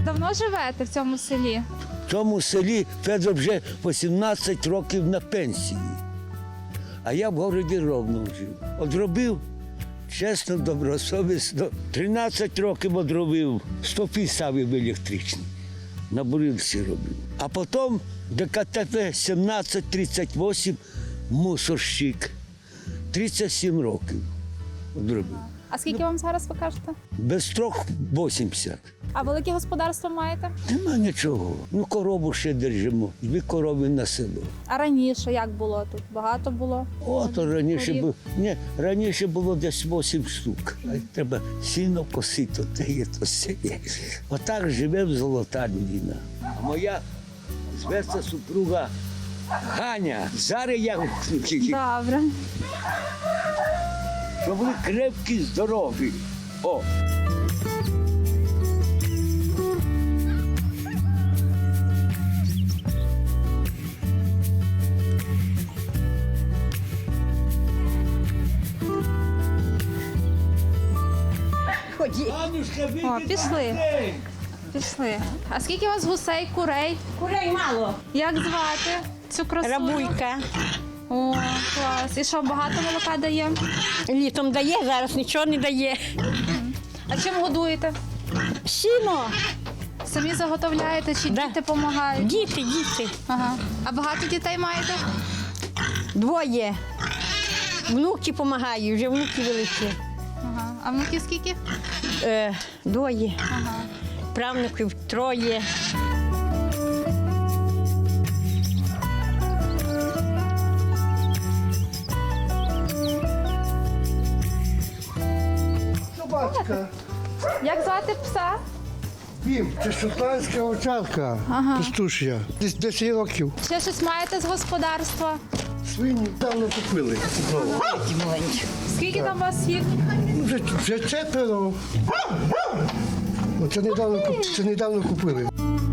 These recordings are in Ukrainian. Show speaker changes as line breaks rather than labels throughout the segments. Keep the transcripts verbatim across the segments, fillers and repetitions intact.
давно живете в цьому селі?
В цьому селі Федор вже вісімнадцять років на пенсії. А я в городі Ровно жив. Одробив, чесно, добросовісно. тринадцять років одробив, стовпи ставив електричні. На бурильці робив. А потім ДКТП сімнадцять тридцять вісім, мусорщик. тридцять сім років одробив.
А скільки вам зараз ви кажете?
Без трьох вісімдесят.
А велике господарство маєте?
Нема нічого. Ну, корову ще держимо. Дві корови на село.
А раніше як було тут? Багато було?
От раніше
Корів?
було, ні, раніше було десь вісім штук. А треба сіно косити, те є, то все є. Отак живе золота людина. А моя зветься супруга Ганя. Зараз я
Добре.
щоб були крепкі, здорові. О! Анюшка,
О, пішли. Пішли. А скільки у вас гусей, курей?
Курей мало.
Як звати цю красу?
Рабулька.
О, клас. І що, багато молока дає?
Літом дає, зараз нічого не дає.
А чим годуєте?
Сіно.
Самі заготовляєте чи
Да.
діти допомагають?
Діти, діти.
Ага. А багато дітей маєте?
Двоє. Внуки допомагають, вже внуки великі.
Ага. А внуків скільки?
Е, двоє.
Ага.
Правнуків троє.
Собачка.
Як звати пса?
Пім, це шотландська овчарка,
Ага.
пастушя. Десь десять років.
Ще щось маєте з господарства?
Свині давно купили. Знову.
Скільки там у вас їх?
Ну, Вже, вже четверо. Ну, Це недавно, куп- це недавно купили.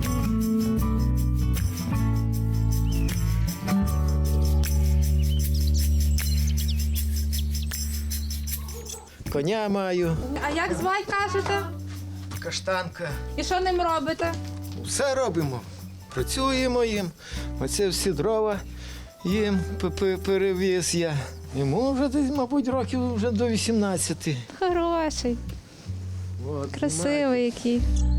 Коня маю,
А як звати, кажете?
каштанка.
І що ним робите?
Все робимо. Працюємо їм. Оце всі дрова їм п- п- перевіз я. Йому вже десь, мабуть, років вже до вісімнадцяти.
Хороший,
От,
красивий який.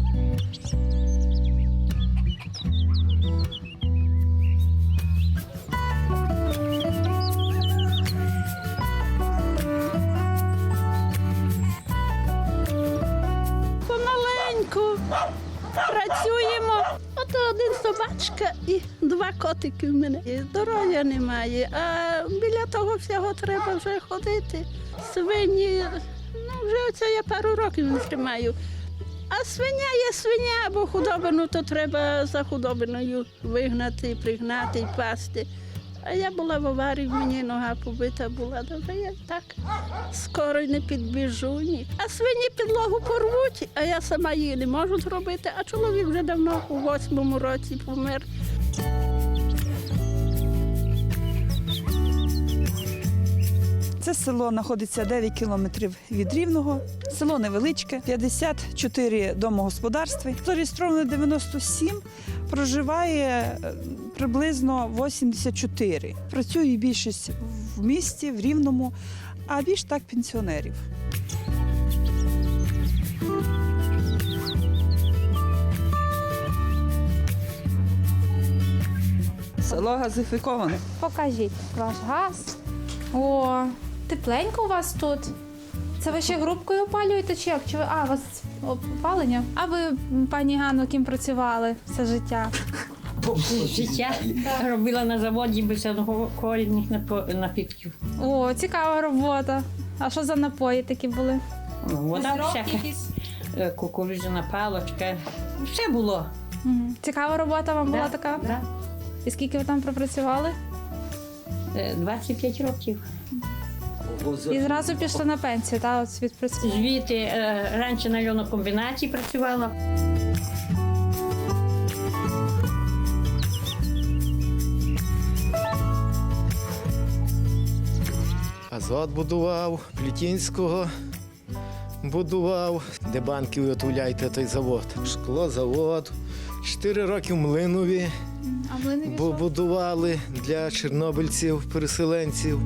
Помаленьку працюємо. Ото один собачка і два котики в мене. І здоров'я немає, а біля того всього треба вже ходити. Свині, ну вже оце я пару років не тримаю. А свиня є свиня, бо худобину то треба за худобиною вигнати, пригнати і пасти. А я була в аварії, мені нога побита була, добре, я так скоро й не підбіжу. Ні. А свині підлогу порвуть, а я сама її не можу зробити, а чоловік вже давно у восьмому році помер.
Це село знаходиться дев'ять кілометрів від Рівного. Село невеличке, п'ятдесят чотири домогосподарства. Зареєстровано дев'яносто сім, проживає е, приблизно вісімдесят чотири. Працює більшість в місті, в Рівному, а більш так пенсіонерів. Село газифіковане.
Покажіть ваш газ. О, тепленько у вас тут. Це ви ще грубкою опалюєте чи як? Чи ви... А, у вас опалення? А ви, пані Ганно, ким працювали все життя?
Життя робила на заводі без алкогольних напо- напітків.
О, цікава робота. А що за напої такі були?
Вода
Сироп
всяка,
якийсь?
е, кукурудзяна палочка. Все було.
Мгм. Цікава робота вам була
Да,
така?
да.
І скільки ви там пропрацювали?
Е, двадцять п'ять років.
І зразу пішли на пенсію, так? От відпрацювали.
Звідти е, раніше на льонокомбінаті працювала.
Азот будував, Плітінського будував. де банки виготовляєте той завод. Шклозавод. Чотири роки в Млинові
А млинові
бу-
що?
будували для чорнобильців, переселенців.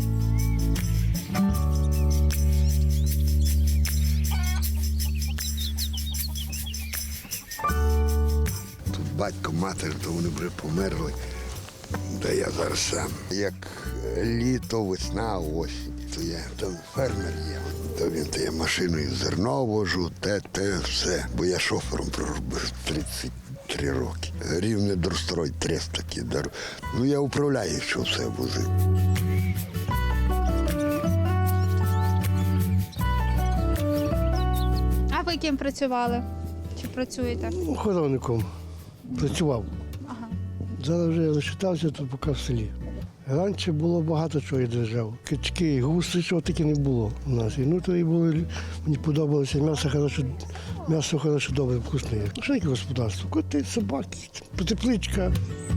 Тут батько, матір, то вони вже померли, де я зараз сам. Як літо, весна, осінь, то я там фермер є. То він то я машиною зерно вожу, те, те, все. Бо я шофером проробив тридцять три роки. Рівне Дорстрой, трест такі. дор- Ну я управляю, що все возив.
А ви ким працювали? Чи працюєте?
Охоронником працював.
Ага.
Зараз вже лишитався тут поки в селі. Раніше було багато чого я держав. Качки, гуси, що таке не було у нас. І ну то і було, мені подобалося м'ясо хорошо, м'ясо хорошо, добре, вкусне. Що яке господарство? Коти, собаки, тепличка.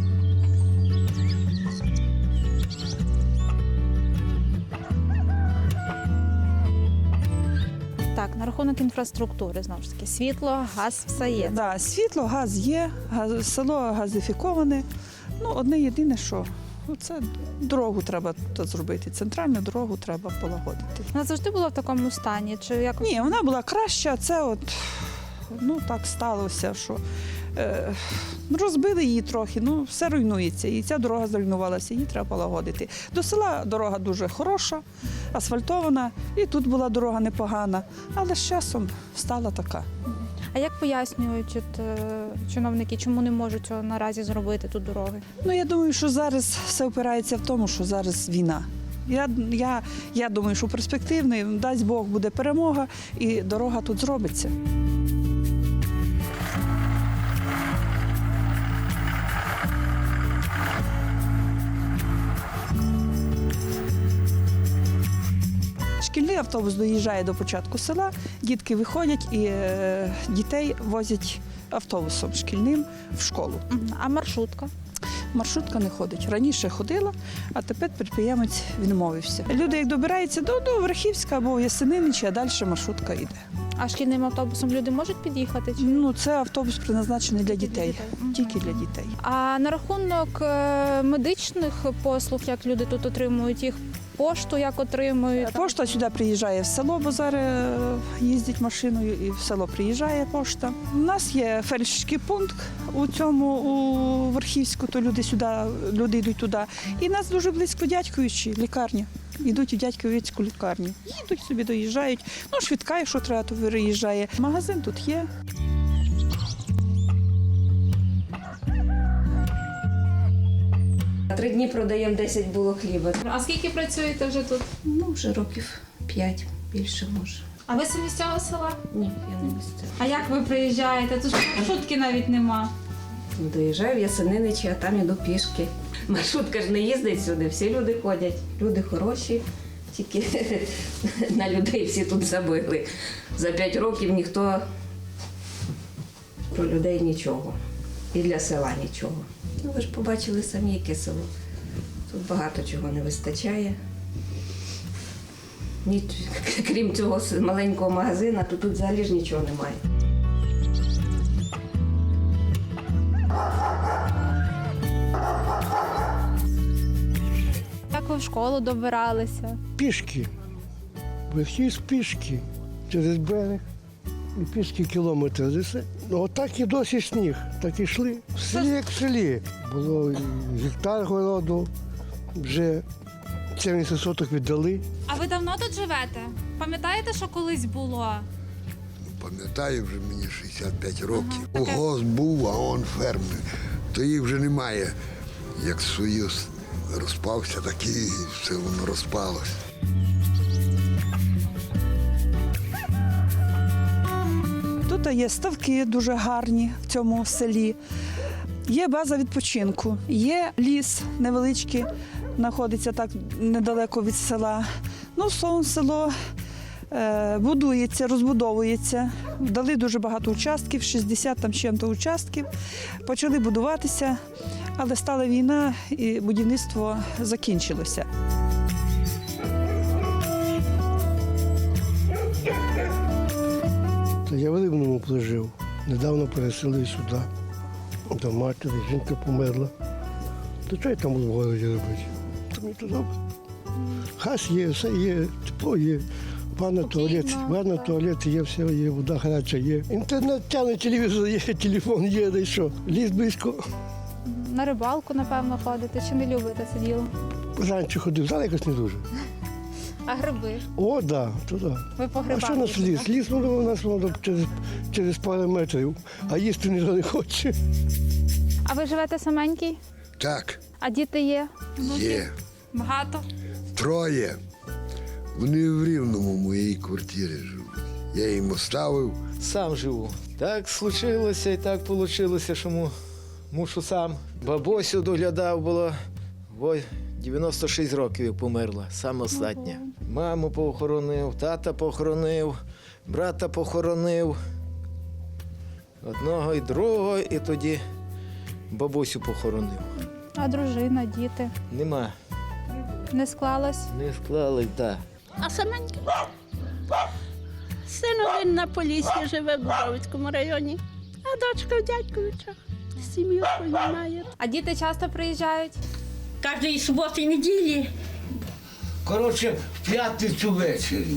Так, на рахунок інфраструктури, знову ж таки, світло, газ, все є.
Да, світло, газ є, газ- село газифіковане. Ну, одне єдине, що ну, це дорогу треба тут зробити, центральну дорогу треба полагодити.
Вона завжди була в такому стані? Чи як?
Ні, вона була краща, це от ну так сталося, що е, розбили її трохи, ну все руйнується. І ця дорога зруйнувалася, її треба полагодити. До села дорога дуже хороша, асфальтована, і тут була дорога непогана, але з часом стала така.
А як пояснюють от, е, чиновники, чому не можуть цього наразі зробити тут дороги?
Ну я думаю, що зараз все опирається в тому, що зараз війна. Я, я, я думаю, що перспективний, дасть Бог, буде перемога і дорога тут зробиться. Шкільний автобус доїжджає до початку села, дітки виходять і е, дітей возять автобусом шкільним в школу.
Мгм. А маршрутка?
Маршрутка не ходить. Раніше ходила, а тепер підприємець відмовився. Люди, як добираються до, до Верхівська або Ясенинича, а далі маршрутка йде.
А шкільним автобусом люди можуть під'їхати? Чи?
Ну, це автобус призначений для дітей.
дітей. Мгм.
Тільки для дітей.
А на рахунок е, медичних послуг, як люди тут отримують їх, пошту як отримують?
Пошта сюди приїжджає в село, бо зараз е, їздять машиною і в село приїжджає пошта. У нас є фельдшерський пункт у цьому у Верхівську, то люди сюди, люди йдуть туди. І нас дуже близько Дядьковичі, лікарня. Йдуть у Дядьковицьку лікарню. Їдуть собі, доїжджають. Ну, швидка, якщо треба, то виїжджає. Магазин тут є.
Три дні продаємо десять було хліба.
А скільки працюєте вже тут?
Ну, вже років п'ять, більше може.
А ви самі з цього села?
Ні, я не місцева.
А як ви приїжджаєте? Тут ж маршрутки навіть нема.
Доїжджаю в Ясениничі, а там іду пішки. Маршрутка ж не їздить сюди, всі люди ходять. Люди хороші, тільки на людей всі тут забили. За п'ять років ніхто про людей нічого. І для села нічого. Ну, ви ж побачили самі, яке село. Тут багато чого не вистачає. Ні, крім цього с- маленького магазина, то тут взагалі ж нічого немає.
Як ви в школу добиралися?
Пішки. Вихід пішки через берег. І пішки кілометр. Десь. Ну, отак і досі сніг. Так і йшли. В селі, як в селі. Було і гектар городу, вже сімдесят соток віддали.
А ви давно тут живете? Пам'ятаєте, що колись було?
Пам'ятаю, вже мені шістдесят п'ять років.
Ага, таке.
Угоз був, а он фермер. То їх вже немає. Як Союз розпався, так і все воно розпалося.
Тут є ставки дуже гарні в цьому селі. Є база відпочинку, є ліс невеличкий, знаходиться так недалеко від села. Ну, словом, село е, будується, розбудовується. Дали дуже багато участків, шістдесят там з чим-то участків. Почали будуватися, але стала війна і будівництво закінчилося.
Та Я в Рівному жив. Недавно переселив сюди. До матері, жінка померла. То що я там буду в городі робити? То мені тут добре. Хас є, все є, тепло є. Ванна, туалет, ванна, туалет є, все є, вода гаряча є. Інтернет тягне, телевізор є, телефон є, да й що. Ліс близько.
На рибалку, напевно, ходите, чи не любите це діло?
Раніше ходив, зараз якось не дуже.
А гриби?
О, так, да, туди.
Ви по
А
грибах
що у нас
їздите?
ліс? Ліс воно у нас воно через, через пару метрів, а їсти ніхто не хоче.
А ви живете саменький?
Так,
А діти є?
є.
Багато?
Троє. Вони в Рівному в моїй квартирі живуть. Я їм оставив.
Сам живу. Так случилося і так вийшло, що му- мушу сам. Бабусю доглядав було. Ой, дев'яносто шість років як померла, саме остання. Маму похоронив, тата похоронив, брата похоронив. Одного і другого, і тоді бабусю похоронив.
А дружина, діти?
Нема,
Не склалось?
не склали, так.
А саменька? Син один на Поліссі живе в Дубровицькому районі, а дочка в Дядьковичах. Сім'ю свою має.
А діти часто приїжджають?
Кожної суботи і неділі.
Коротше, в п'ятницю ввечері.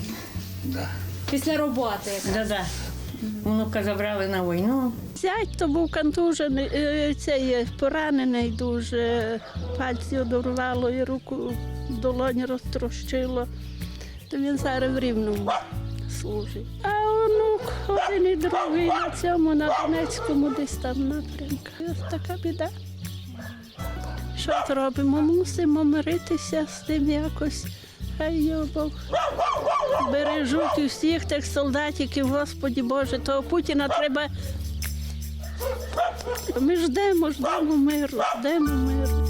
Після роботи.
Да-да. Внука забрали на війну.
Зять то був контужений, е, цей поранений дуже, пальці одорвало і руку в долоні розтрощило. То він зараз в Рівному служить. А онук один і другий на цьому, на Донецькому десь там напрямку. І ось така біда. Що зробимо? Мусимо миритися з тим якось. Хай його Бог бережуть усіх тих солдатиків, Господі Боже, того Путіна треба. Ми ждемо, ждемо миру, ждемо миру.